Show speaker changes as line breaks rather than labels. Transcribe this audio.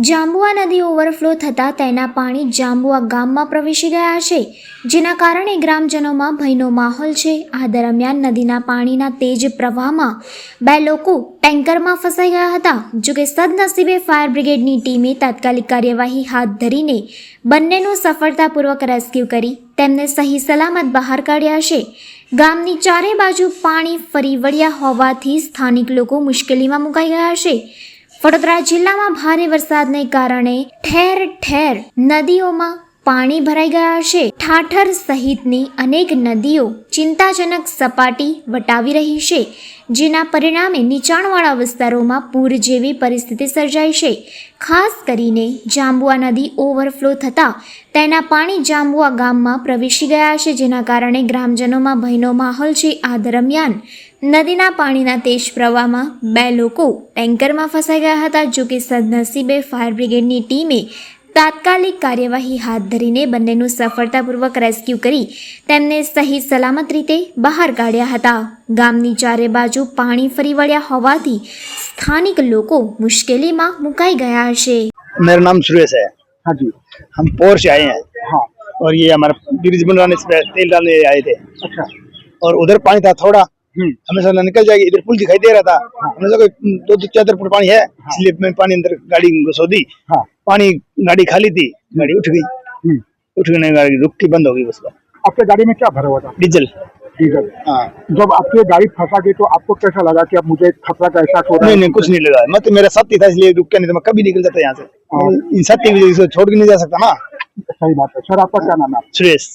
જાંબુઆ નદી ઓવરફ્લો થતાં તેના પાણી જાંબુઆ ગામમાં પ્રવેશી ગયા છે, જેના કારણે ગ્રામજનોમાં ભયનો માહોલ છે। આ દરમિયાન નદીના પાણીના તેજ પ્રવાહમાં બે લોકો ટેન્કરમાં ફસાઈ ગયા હતા। જોકે સદનસીબે ફાયર બ્રિગેડની ટીમે તાત્કાલિક કાર્યવાહી હાથ ધરીને બંનેનું સફળતાપૂર્વક રેસ્ક્યુ કરી તેમને સહી સલામત બહાર કાઢ્યા છે। ગામની ચારે બાજુ પાણી ફરી વળ્યા હોવાથી સ્થાનિક લોકો મુશ્કેલીમાં મુકાઈ ગયા છે। વડોદરા જિલ્લામાં ભારે વરસાદને કારણે ઠેર ઠેર નદીઓમાં પાણી ભરાઈ ગયા છે। ઠાઠર સહિતની અનેક નદીઓ ચિંતાજનક સપાટી વટાવી રહી છે, જેના પરિણામે નીચાણવાળા વિસ્તારોમાં પૂર જેવી પરિસ્થિતિ સર્જાઈ છે। ખાસ કરીને જાંબુઆ નદી ઓવરફ્લો થતાં તેના પાણી જાંબુઆ ગામમાં પ્રવેશી ગયા છે, જેના કારણે ગ્રામજનોમાં ભયનો માહોલ છે। આ દરમિયાન નદીના પાણીના તેજ પ્રવાહમાં બે લોકો ટેન્કરમાં ફસાઈ ગયા હતા। જો કે સદનસીબે ફાયર બ્રિગેડની ટીમે તાત્કાલિક કાર્યવાહી હાથ ધરીને બંનેનું સફળતાપૂર્વક રેસ્ક્યુ કરી તેમને સહી સલામત રીતે બહાર કાઢ્યા હતા। ગામની ચારે બાજુ પાણી ફરી વળ્યા હોવાથી સ્થાનિક લોકો મુશ્કેલીમાં મુકાઈ ગયા છે।
मेरा नाम सुरेश है।
हाँ जी।
हम पोर से आए हैं।
हाँ।
और ये हमारा ब्रिज बनवाने से तेल डालने आए थे।
अच्छा।
और उधर पानी था थोड़ा, हमें सोचा निकल जाएगी, इधर पुल दिखाई दे रहा था। हमने सोचा दो चादर फुट पानी है, इसलिए मैं पानी अंदर गाड़ी घुसो दी।
हाँ।
पानी गाड़ी खाली थी, गाड़ी उठ गई। उठ गई, गाड़ी रुक के बंद हो गई। उसका
आपके गाड़ी में क्या भरा हुआ था?
डीजल।
डीजल।
हाँ।
जब आपकी गाड़ी फंसा गई तो आपको कैसा लगा कि अब मुझे खतरा का एहसास हो रहा है?
नहीं, कुछ नहीं लगा। मैं तो मेरा साथी था इसलिए रुक के, नहीं तो मैं कभी निकल जाता यहाँ से। इन साथी की वजह से छोड़ के नहीं जा सकता ना।
सही बात है। सर, आपका क्या नाम है?
सुरेश।